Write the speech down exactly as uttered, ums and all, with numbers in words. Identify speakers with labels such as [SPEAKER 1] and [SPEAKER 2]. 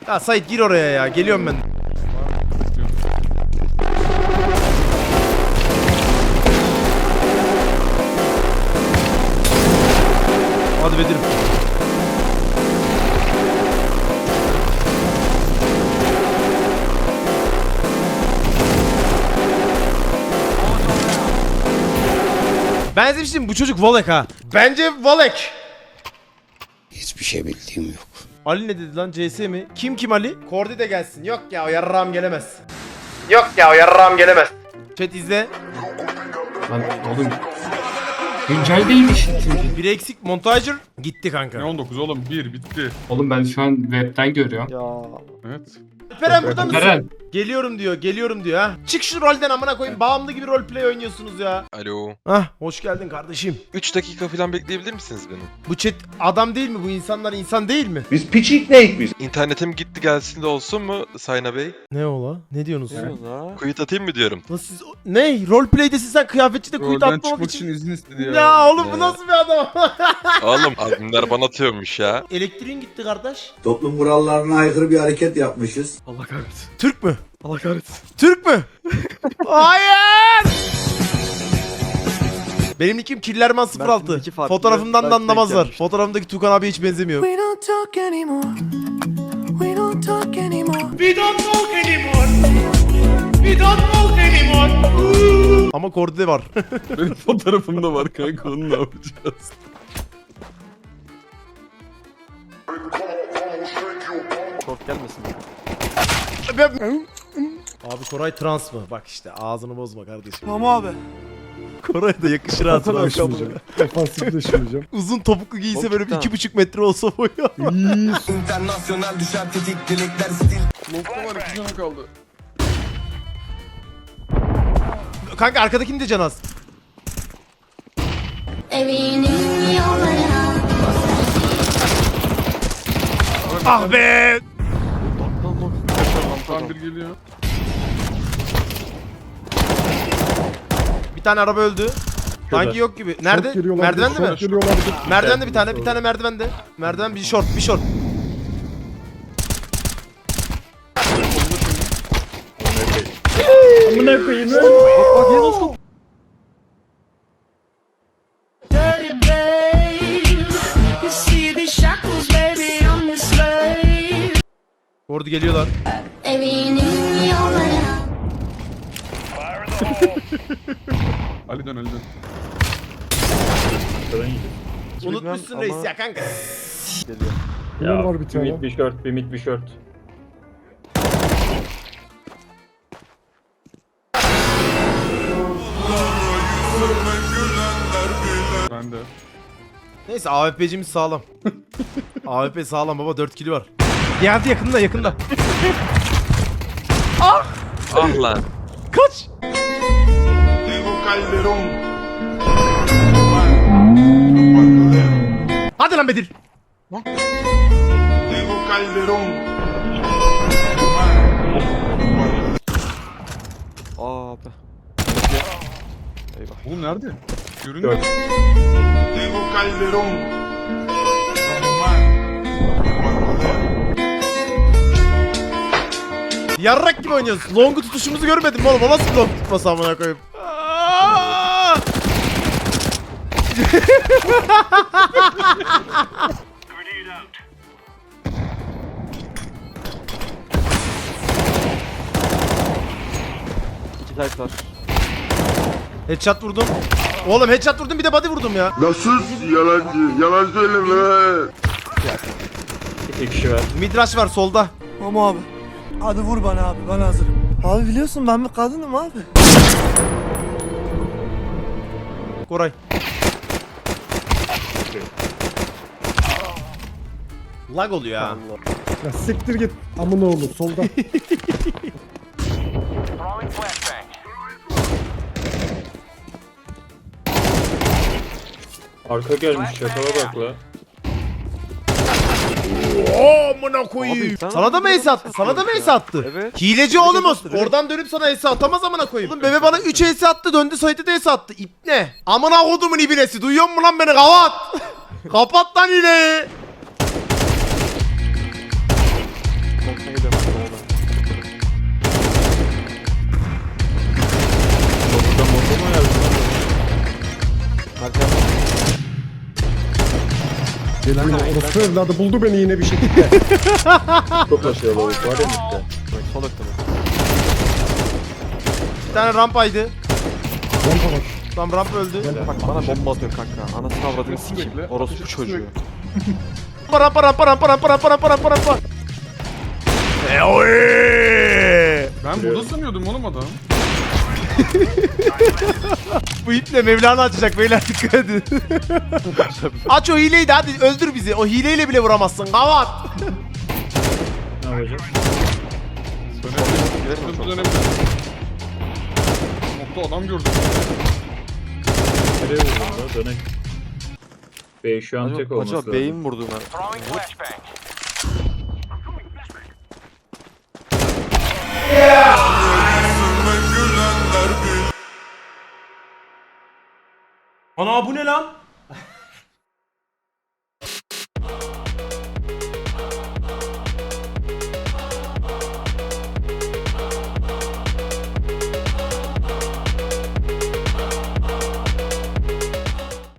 [SPEAKER 1] Ya Sait gir oraya ya. Geliyorum ben. Hadi Bedir'im. Ben demiştim bu çocuk Volek ha. Bence Volek.
[SPEAKER 2] Hiçbir şey bildiğim yok.
[SPEAKER 1] Ali ne dedi lan, C S mi? Kim kim Ali? Kordi de gelsin. Yok ya, o yarrağım gelemez. Yok ya, o yarrağım gelemez. Chat izle.
[SPEAKER 3] Lan oğlum. Güncel değilmiş.
[SPEAKER 1] Bir eksik montajır gitti kanka.
[SPEAKER 4] Ne on dokuz oğlum? bir bitti.
[SPEAKER 3] Oğlum ben şu an webten görüyorum.
[SPEAKER 5] Ya.
[SPEAKER 4] Evet.
[SPEAKER 1] Alperen burada mısın?
[SPEAKER 3] Eren.
[SPEAKER 1] Geliyorum diyor, geliyorum diyor ha. Çık şu rolden amına koyayım. Bağımlı gibi roleplay oynuyorsunuz ya.
[SPEAKER 6] Alo.
[SPEAKER 1] Hah, hoş geldin kardeşim.
[SPEAKER 6] üç dakika falan bekleyebilir misiniz beni?
[SPEAKER 1] Bu chat adam değil mi? Bu insanlar insan değil mi?
[SPEAKER 7] Biz piçik neyik biz?
[SPEAKER 6] İnternetim gitti gelsin de olsun mu Sayna Bey?
[SPEAKER 1] Ne ola? Ne diyorsunuz?
[SPEAKER 5] La.
[SPEAKER 6] Kuyut atayım mı diyorum.
[SPEAKER 1] Nasıl siz... Ne? Roleplay'desin sen, kıyafetçide kuyut
[SPEAKER 4] Rolden
[SPEAKER 1] atmamak
[SPEAKER 4] çıkmak
[SPEAKER 1] için.
[SPEAKER 4] için izin istedi ya.
[SPEAKER 1] Ya oğlum bu
[SPEAKER 6] Ya.
[SPEAKER 1] nasıl bir adam?
[SPEAKER 6] Oğlum adminler bana atıyormuş ya.
[SPEAKER 1] Elektriğin gitti kardeş.
[SPEAKER 2] Toplum kurallarına aykırı bir hareket yapmışız.
[SPEAKER 4] Allah kahretsin.
[SPEAKER 1] Türk mü?
[SPEAKER 4] Allah kahretsin.
[SPEAKER 1] Türk mü? Hayır! Benim nickim Killerman sıfır altı.
[SPEAKER 5] Mert'in iki farklı.
[SPEAKER 1] Fotoğrafımdan da
[SPEAKER 5] Belki
[SPEAKER 1] anlamazlar.
[SPEAKER 5] denk
[SPEAKER 1] Fotoğrafımdaki Tukan abi hiç benzemiyor.
[SPEAKER 8] We don't talk anymore. We don't talk anymore.
[SPEAKER 1] Ama Kordi de var.
[SPEAKER 4] Benim fotoğrafım da var kanka, onu ne yapacağız?
[SPEAKER 5] Short gelmesin.
[SPEAKER 1] Abi Koray trans mı? Bak işte ağzını bozma kardeşim.
[SPEAKER 8] Tamam abi.
[SPEAKER 1] Koray'a da yakışır ha trans.
[SPEAKER 7] Defansifleşmeyeceğim.
[SPEAKER 1] Uzun topuklu giyse
[SPEAKER 5] Çok
[SPEAKER 1] böyle bir
[SPEAKER 5] cidden.
[SPEAKER 1] iki buçuk metre olsa boyu.
[SPEAKER 2] İnternasyonel düşer tetik dilekler stil.
[SPEAKER 4] Long'da var, iki canım kaldı.
[SPEAKER 1] Kanka arkadakini de can az.
[SPEAKER 9] Evinin yollarına
[SPEAKER 1] Ah be!
[SPEAKER 4] Tam bir geliyor.
[SPEAKER 1] Bir tane araba öldü. Sanki yok gibi. Nerede? Merdivende mi? Merdivende bir tane, bir tane merdivende. Merdiven bir short, bir short.
[SPEAKER 7] Amına koyayım.
[SPEAKER 5] Bak yine nasıl?
[SPEAKER 8] Dirty babe. You see these shackles, baby, I'm the slave.
[SPEAKER 1] Orada geliyorlar.
[SPEAKER 9] evinin yollarına
[SPEAKER 4] Ali dön, Ali dön.
[SPEAKER 1] Unutmuşsun
[SPEAKER 5] ama-
[SPEAKER 1] reis ya kanka.
[SPEAKER 5] Geliyor.
[SPEAKER 7] Ya var bir tane.
[SPEAKER 3] bir short, bir mid bir short.
[SPEAKER 4] Ben de.
[SPEAKER 1] Neyse A W P'cimiz sağlam. A W P sağlam baba, dört kili var. Geldi yakında yakında.
[SPEAKER 6] Ah lan.
[SPEAKER 1] Kaç. Hadi lan Bedir.
[SPEAKER 5] Aa be. Eyvah.
[SPEAKER 4] Oğlum nerede? Görünmüyor.
[SPEAKER 1] Yarrak gibi oynuyoruz. Long'u tutuşumuzu görmedim oğlum. O nasıl long tutması amına koyayım. Aa!
[SPEAKER 5] İki tight var.
[SPEAKER 1] Headshot vurdum. Oğlum headshot vurdum, bir de body vurdum ya.
[SPEAKER 7] Nasıl yalancı? Yalan söyleme.
[SPEAKER 3] İki kişi var.
[SPEAKER 1] Midrash var solda.
[SPEAKER 8] Tamam abi. Hadi vur bana abi, ben hazırım. Abi biliyorsun ben bir kadınım abi.
[SPEAKER 1] Koray. Lag oluyor ha.
[SPEAKER 7] Ya siktir git. Amına oğlum solda.
[SPEAKER 3] Arka gelmiş, çakala bak la.
[SPEAKER 1] Oo amına koyayım.
[SPEAKER 5] Abi, sen
[SPEAKER 1] Sana da mı ace attı? Sana da mı ace attı?
[SPEAKER 5] Evet.
[SPEAKER 1] Hileci oğlumuz.
[SPEAKER 5] göstererek.
[SPEAKER 1] Oradan dönüp sana ace atamaz amına koyayım. Oğlum bebe bana üç ace attı, döndü Sait'e de ace attı. İp ne? Amına kodumun ibinesi. Duyuyor musun lan beni? Kapat. Kapat lan hileyi.
[SPEAKER 7] yine. Orası evladı buldu beni yine bir şekilde.
[SPEAKER 3] Çok aşağıda lavuk var ya mitte.
[SPEAKER 5] Bak sol ekte bak.
[SPEAKER 1] Bir tane rampaydı.
[SPEAKER 7] Rampa var.
[SPEAKER 1] Tam ramp öldü.
[SPEAKER 5] Bak bana bomba atıyor kanka. Anasını avradını sikeyim. Orospu çocuğu.
[SPEAKER 1] Rampa rampa rampa rampa rampa rampa rampa rampa. E oy!
[SPEAKER 4] Ben burada sanıyordum oğlum adam.
[SPEAKER 1] Bu iple Mevlana açacak beyler, dikkat edin. Aç o hileyi de hadi öldür bizi. O hileyle bile vuramazsın. Kavat.
[SPEAKER 3] Ne yapacağız?
[SPEAKER 5] Girelim mi
[SPEAKER 4] Hızlı
[SPEAKER 5] çok?
[SPEAKER 4] dönebilir. Nokta adam gördüm.
[SPEAKER 3] Nereye vurdun da? Dönek. Bey şu an tek
[SPEAKER 5] Acaba,
[SPEAKER 3] olması
[SPEAKER 5] acaba
[SPEAKER 3] lazım.
[SPEAKER 5] beyin vurdu ben.
[SPEAKER 1] Ana bu ne lan?